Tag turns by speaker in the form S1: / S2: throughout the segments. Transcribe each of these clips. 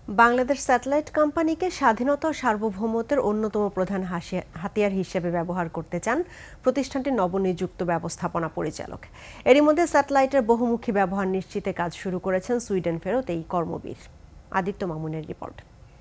S1: Bangladesh satellite কোম্পানিকে স্বাধীনতা ও সার্বভৌমত্বের অন্যতম প্রধান হাতিয়ার হিসেবে ব্যবহার করতে চান প্রতিষ্ঠানটির নবনিযুক্ত ব্যবস্থাপনা পরিচালক। এরই মধ্যে স্যাটেলাইটের বহুমুখী ব্যবহার নিশ্চিতে কাজ শুরু করেছেন সুইডেন ফেরত এই কর্মবীর। আদিত্য মামুনের রিপোর্ট।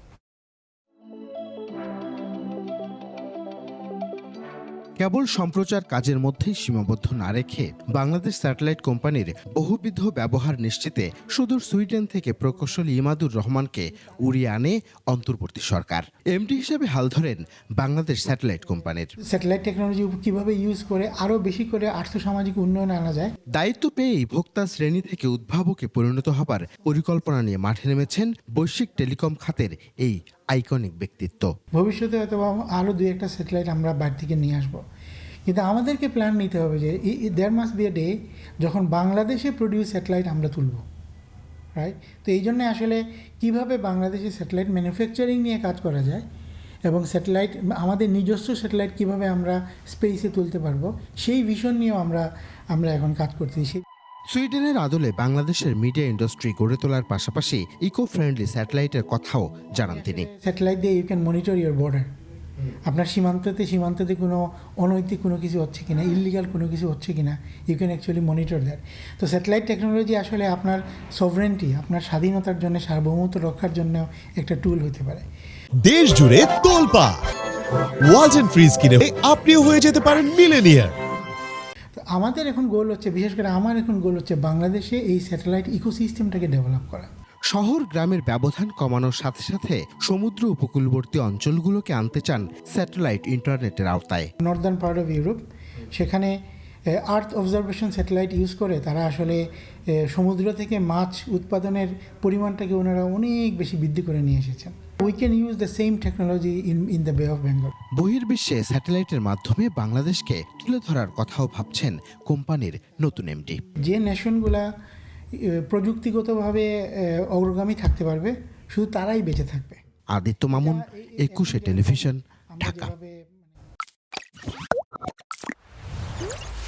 S2: কেবল সম্প্রচার কাজের মধ্যেই সীমাবদ্ধ না রেখে বাংলাদেশ স্যাটেলাইট কোম্পানির বহুবিধ ব্যবহার নিশ্চিতে সুদূর সুইডেন থেকে প্রকৌশলী ইমাদুর রহমানকে উড়িয়ে আনে অন্তর্বর্তী সরকার। এমডি হিসেবে হাল ধরেন বাংলাদেশ স্যাটেলাইট কোম্পানির।
S3: স্যাটেলাইট টেকনোলজি কিভাবে ইউজ করে আরও বেশি করে আর্থসামাজিক উন্নয়ন আনা যায়।
S2: দায়িত্ব পেয়েই ভোক্তা শ্রেণী থেকে উদ্ভাবকে পরিণত হবার পরিকল্পনা নিয়ে মাঠে নেমেছেন বৈশ্বিক টেলিকম খাতের এই আইকনিক ব্যক্তিত্ব।
S3: ভবিষ্যতে হয়তো আরও দুই একটা স্যাটেলাইট আমরা বাইরে থেকে নিয়ে আসবো, কিন্তু আমাদেরকে প্ল্যান নিতে হবে যে there must be a day যখন বাংলাদেশে প্রডিউস স্যাটেলাইট আমরা তুলব, রাইট? তো এই জন্য আসলে কীভাবে বাংলাদেশে স্যাটেলাইট ম্যানুফ্যাকচারিং নিয়ে কাজ করা যায় এবং স্যাটেলাইট আমাদের নিজস্ব স্যাটেলাইট কীভাবে আমরা স্পেসে তুলতে পারবো সেই ভিশন নিয়েও আমরা এখন কাজ করতেছি।
S2: সুইডেনের আদলে বাংলাদেশের মিডিয়া ইন্ডাস্ট্রি গড়ে তোলার পাশাপাশি ইকো ফ্রেন্ডলি স্যাটেলাইটের কথাও জানান তিনি।
S3: স্যাটেলাইট দিয়ে you can monitor your border. আপনার সীমান্ততে কোনো অনৈতিক কোনো কিছু হচ্ছে কিনা, ইললিগাল কোনো কিছু হচ্ছে কিনা, you can actually monitor that. তো স্যাটেলাইট টেকনোলজি আসলে আপনার সভরেন্টি, আপনার স্বাধীনতার জন্য, সার্বভৌমত্ব রক্ষার জন্য একটা টুল হতে পারে।
S4: দেশ জুড়ে তোলপাড় ওয়ালটন ফ্রিজ কিনে আপনিও হয়ে যেতে পারেন মিলেনিয়ার।
S3: আমাদের এখন গোল হচ্ছে, বিশেষ করে আমার এখন গোল হচ্ছে বাংলাদেশে এই স্যাটেলাইট ইকোসিস্টেমটাকে ডেভেলপ করা।
S2: শহর গ্রামের ব্যবধান কমানোর সাথে সাথে সমুদ্র উপকূলবর্তী অঞ্চলগুলোকে আনতে চান স্যাটেলাইট ইন্টারনেটের আওতায়।
S3: নর্দার্ন পার্ট অফ ইউরোপ, সেখানে আর্থ অবজারভেশন স্যাটেলাইট ইউজ করে তারা আসলে সমুদ্র থেকে মাছ উৎপাদনের পরিমাণটাকে ওনারা অনেক বেশি বৃদ্ধি করে নিয়ে এসেছেন। We can use the same technology in the Bay of Bengal.
S2: বহির্বিশ্বে স্যাটেলাইটের মাধ্যমে বাংলাদেশকে তুলে ধরার কথাও ভাবছেন কোম্পানির নতুন এমডি।
S3: যে নেশনগুলা প্রযুক্তিগতভাবে অগ্রগামী থাকতে পারবে শুধু তারাই বেঁচে থাকবে।
S2: আদিত্য মামুন, 21 টেলিভিশন, ঢাকা।